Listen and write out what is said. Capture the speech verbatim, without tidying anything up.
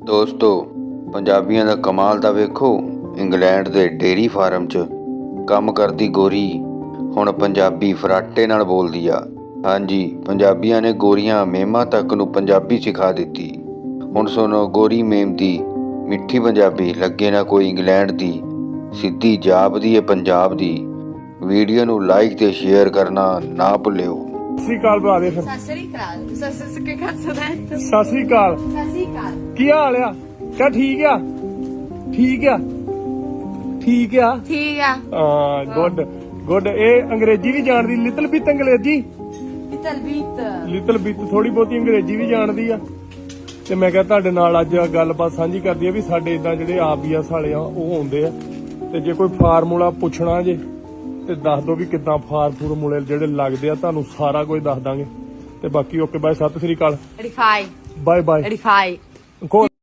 ਦੋਸਤੋ ਪੰਜਾਬੀਆਂ ਦਾ ਕਮਾਲ ਤਾਂ ਵੇਖੋ। ਇੰਗਲੈਂਡ ਦੇ ਡੇਅਰੀ ਫਾਰਮ 'ਚ ਕੰਮ ਕਰਦੀ ਗੋਰੀ ਹੁਣ ਪੰਜਾਬੀ ਫਰਾਟੇ ਨਾਲ ਬੋਲਦੀ ਆ। ਹਾਂਜੀ, ਪੰਜਾਬੀਆਂ ਨੇ ਗੋਰੀਆਂ ਮੇਮਾਂ ਤੱਕ ਨੂੰ ਪੰਜਾਬੀ ਸਿਖਾ ਦਿੱਤੀ। ਹੁਣ ਸੁਣੋ ਗੋਰੀ ਮੇਮ ਦੀ ਮਿੱਠੀ ਪੰਜਾਬੀ। ਲੱਗੇ ਨਾ ਕੋਈ ਇੰਗਲੈਂਡ ਦੀ, ਸਿੱਧੀ ਜਾਪਦੀ ਏ ਪੰਜਾਬ ਦੀ। ਵੀਡੀਓ ਨੂੰ ਲਾਈਕ ਤੇ ਸ਼ੇਅਰ ਕਰਨਾ ਨਾ ਭੁੱਲਿਓ। ਸਤਿ ਸ਼੍ਰੀ ਅਕਾਲ ਭਰਾ ਦੇ ਫਿਰ। ਸਤਿ ਸ੍ਰੀ ਅਕਾਲ। ਸਤਿ ਸ੍ਰੀ ਅਕਾਲ। ਸਤਿ ਸ਼੍ਰੀ ਅਕਾਲ। ਸਤਿ ਸ੍ਰੀ ਅਕਾਲ। ਕੀ ਹਾਲ ਆ? ਕਹ ਠੀਕ ਆ, ਠੀਕ ਆ, ਠੀਕ ਆ। ਠੀਕ ਆ। ਹਾਂ, ਗੁੱਡ ਗੁੱਡ। ਇਹ ਅੰਗਰੇਜ਼ੀ ਵੀ ਜਾਣਦੀ, ਲਿਟਲ ਬਿਟ ਅੰਗਰੇਜ਼ੀ, ਲਿਟਲ ਬਿਟ ਲਿਟਲ ਬਿਟ ਥੋੜੀ ਬਹੁਤੀ ਅੰਗਰੇਜ਼ੀ ਵੀ ਜਾਣਦੀ ਆ। ਤੇ ਮੈਂ ਕਿਹਾ ਤੁਹਾਡੇ ਨਾਲ ਅੱਜ ਗੱਲਬਾਤ ਸਾਂਝੀ ਕਰਦੀ ਆ ਵੀ ਸਾਡੇ ਇਦਾਂ ਜਿਹੜੇ ਆਬੀਐਸ ਵਾਲੇ ਆ ਉਹ ਆਉਂਦੇ ਆ, ਤੇ ਜੇ ਕੋਈ ਫਾਰਮੂਲਾ ਪੁੱਛਣਾ ਜੇ ਤੇ ਦੱਸ ਦੋ ਵੀ ਕਿੱਦਾਂ ਫਾਰ ਫੂਰਮੂਲੇ ਜਿਹੜੇ ਲੱਗਦੇ ਆ, ਤੁਹਾਨੂੰ ਸਾਰਾ ਕੁਝ ਦੱਸ ਦਾਂਗੇ। ਤੇ ਬਾਕੀ ਓਕੇ ਬਾਏ, ਸਤਿ ਸ੍ਰੀ ਅਕਾਲ, ਰਿਫਾਈ ਬਾਏ ਬਾਏ। ਰਿਫਾਈ ਕੋਲ